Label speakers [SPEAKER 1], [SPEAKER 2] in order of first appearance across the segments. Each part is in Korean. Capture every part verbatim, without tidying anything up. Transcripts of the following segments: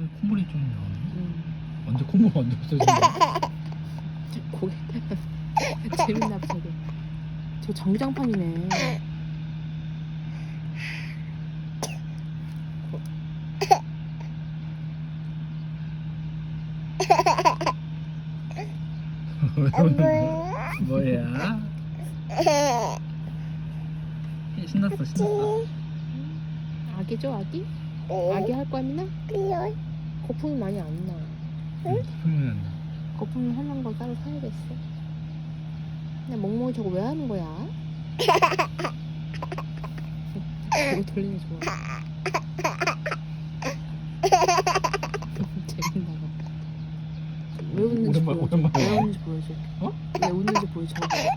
[SPEAKER 1] 콧물이 좀 나오네.
[SPEAKER 2] 응.
[SPEAKER 1] 완전 콧물 완전 없어지네.
[SPEAKER 2] 고개 재밌나 보다. 저 전기장판이네.
[SPEAKER 1] 뭐야? 신났어 신났어.
[SPEAKER 2] 아기죠 아기? 아기 할 거 있나? 거품이 많이 안 나.
[SPEAKER 1] 응? 거품이 난다.
[SPEAKER 2] 거품 하는 거 따로 사야겠어. 근데 멍멍이 저거 왜 하는 거야? 저거 돌리는 거 좋아. 재밌나 봐. 왜 웃는지
[SPEAKER 1] 오랜만-
[SPEAKER 2] 보여줘.
[SPEAKER 1] 오랜만에
[SPEAKER 2] 왜 웃는지 보여줘.
[SPEAKER 1] 어?
[SPEAKER 2] 왜 웃는지 보여줘.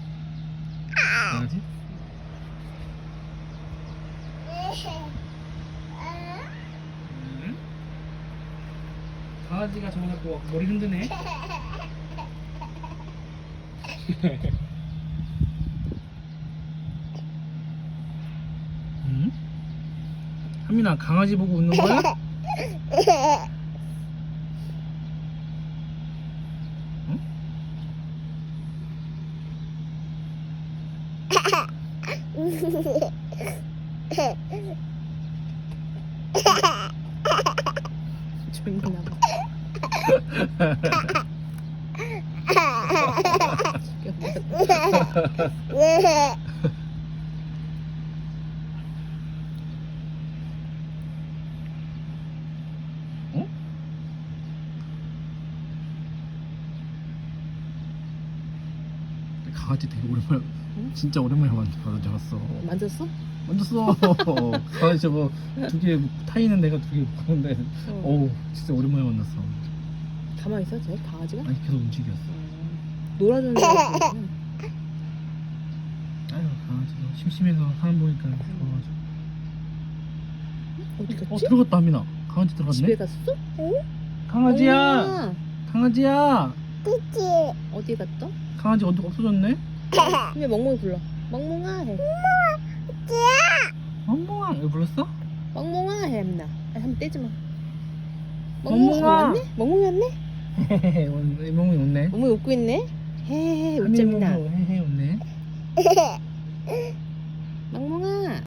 [SPEAKER 1] 강아지? 응? 강아지가 저거 자꾸 머리 흔드네. 응? 하민아 강아지 보고 웃는 거야? 응?
[SPEAKER 2] 재밌나 봐.
[SPEAKER 1] 어? 강아지 되게 오랜만에
[SPEAKER 2] 응?
[SPEAKER 1] 진짜 오랜만에 만져봤어.
[SPEAKER 2] 만졌어?
[SPEAKER 1] 만졌어. 강아지 저거 두 개 타이는 내가 두 개 보는데
[SPEAKER 2] 어.
[SPEAKER 1] 어우 진짜 오랜만에 만났어.
[SPEAKER 2] 가만히 있어 쟤 강아지가?
[SPEAKER 1] 아니 계속 움직였어.
[SPEAKER 2] 어. 놀아주는 거 같은데.
[SPEAKER 1] 아유 강아지도 심심해서 사람 보니까 좋아가지고.
[SPEAKER 2] 어디
[SPEAKER 1] 어
[SPEAKER 2] 갔지?
[SPEAKER 1] 들어갔다 하민아. 강아지 들어갔네.
[SPEAKER 2] 집에 갔어?
[SPEAKER 1] 강아지야.
[SPEAKER 2] 멍멍아.
[SPEAKER 1] 강아지야.
[SPEAKER 2] 어디 갔다?
[SPEAKER 1] 강아지 어디 없어졌네?
[SPEAKER 2] 왜 멍멍이 불러? 멍멍아 해.
[SPEAKER 1] 멍멍아 왜 불렀어?
[SPEAKER 2] 멍멍아 해 했나? 아, 한번 떼지 마.
[SPEAKER 1] 멍멍아.
[SPEAKER 2] 왔네? 멍멍이 왔네?
[SPEAKER 1] 헤헤헤 오늘 멍멍이 웃네.
[SPEAKER 2] 멍멍이 웃고 있네? 헤헤헤
[SPEAKER 1] 하민이
[SPEAKER 2] 웃재미나.
[SPEAKER 1] 멍멍이 헤헤 웃네.
[SPEAKER 2] 멍멍아.